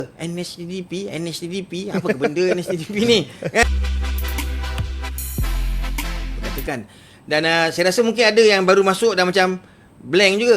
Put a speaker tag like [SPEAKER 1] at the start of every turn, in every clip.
[SPEAKER 1] NSTDP, apa ke benda NSTDP ni? Katakan. Dan saya rasa mungkin ada yang baru masuk dan macam blank juga.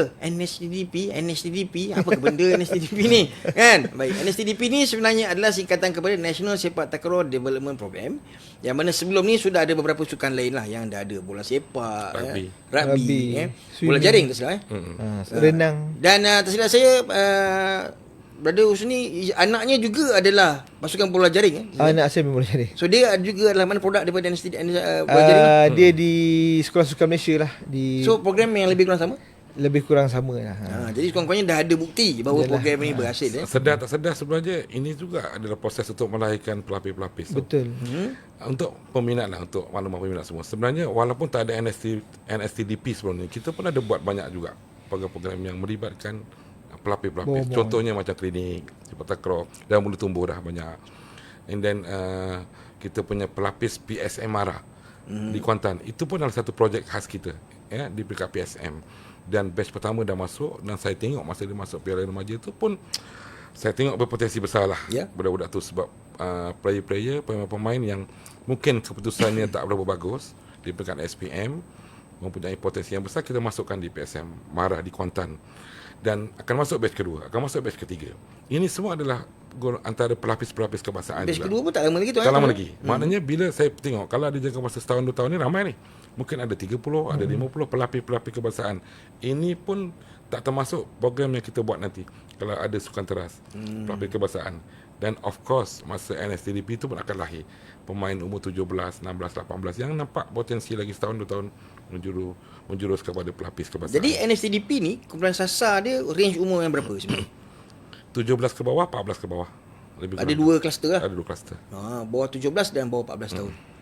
[SPEAKER 1] NSTDP, apa ke benda NSTDP ni? Kan? Baik, NSTDP ni sebenarnya adalah singkatan kepada National Sepak Takraw Development Program. Yang mana sebelum ni sudah ada beberapa sukan lain lah yang dah ada. Bola sepak, rugby, bola jaring tak silap.
[SPEAKER 2] Renang.
[SPEAKER 1] Dan tersilap saya, Brother Husni, anaknya juga adalah pasukan bola jaring.
[SPEAKER 2] Anak saya bola jaring.
[SPEAKER 1] So dia juga adalah mana produk daripada bola jaring lah.
[SPEAKER 2] Dia di Sekolah Sukan Malaysia lah.
[SPEAKER 1] So program yang lebih kurang sama?
[SPEAKER 2] Lebih kurang sama lah.
[SPEAKER 1] Jadi kurang-kurangnya dah ada bukti bahawa program ini berhasil.
[SPEAKER 3] Sedar tak sedar sebenarnya ini juga adalah proses untuk melahirkan pelapis-pelapis.
[SPEAKER 2] Betul.
[SPEAKER 3] Untuk peminat lah, untuk maklumat peminat semua. Sebenarnya walaupun tak ada NSTDP sebelum ni, kita pun ada buat banyak juga program-program yang melibatkan pelapis-pelapis. Contohnya macam klinik, sepak takraw, dah mula tumbuh dah banyak. And then kita punya pelapis PSM Mara di Kuantan. Itu pun adalah satu projek khas kita, ya, di peringkat PSM. Dan batch pertama dah masuk, dan saya tengok masa dia masuk Piala Remaja tu pun saya tengok berpotensi besar lah budak-budak tu, sebab player-player, pemain-pemain yang mungkin keputusannya tak berapa bagus di peringkat SPM mempunyai potensi yang besar, kita masukkan di PSM Mara di Kuantan. Dan akan masuk batch kedua, akan masuk batch ketiga. Ini semua adalah antara pelapis-pelapis kebangsaan.
[SPEAKER 1] Batch kedua pun tak lama lagi tu.
[SPEAKER 3] Tak lama lagi. Maknanya bila saya tengok, kalau ada jangka masa setahun 2 tahun ni ramai ni. Mungkin ada 30, ada 50 pelapis-pelapis kebangsaan. Ini pun tak termasuk program yang kita buat nanti kalau ada sukan teras, pelapis kebangsaan. Dan of course masa NSTDP itu pun akan lahir pemain umur 17, 16, 18 yang nampak potensi lagi setahun 2 tahun menjurus kepada pelapis kebangsaan.
[SPEAKER 1] Jadi NSTDP ni kumpulan sasar dia range umur yang berapa sebenarnya?
[SPEAKER 3] 17 ke bawah, 14 ke bawah.
[SPEAKER 1] Ada 2 kluster lah.
[SPEAKER 3] Ada 2 kluster.
[SPEAKER 1] Bawah 17 dan bawah 14 tahun.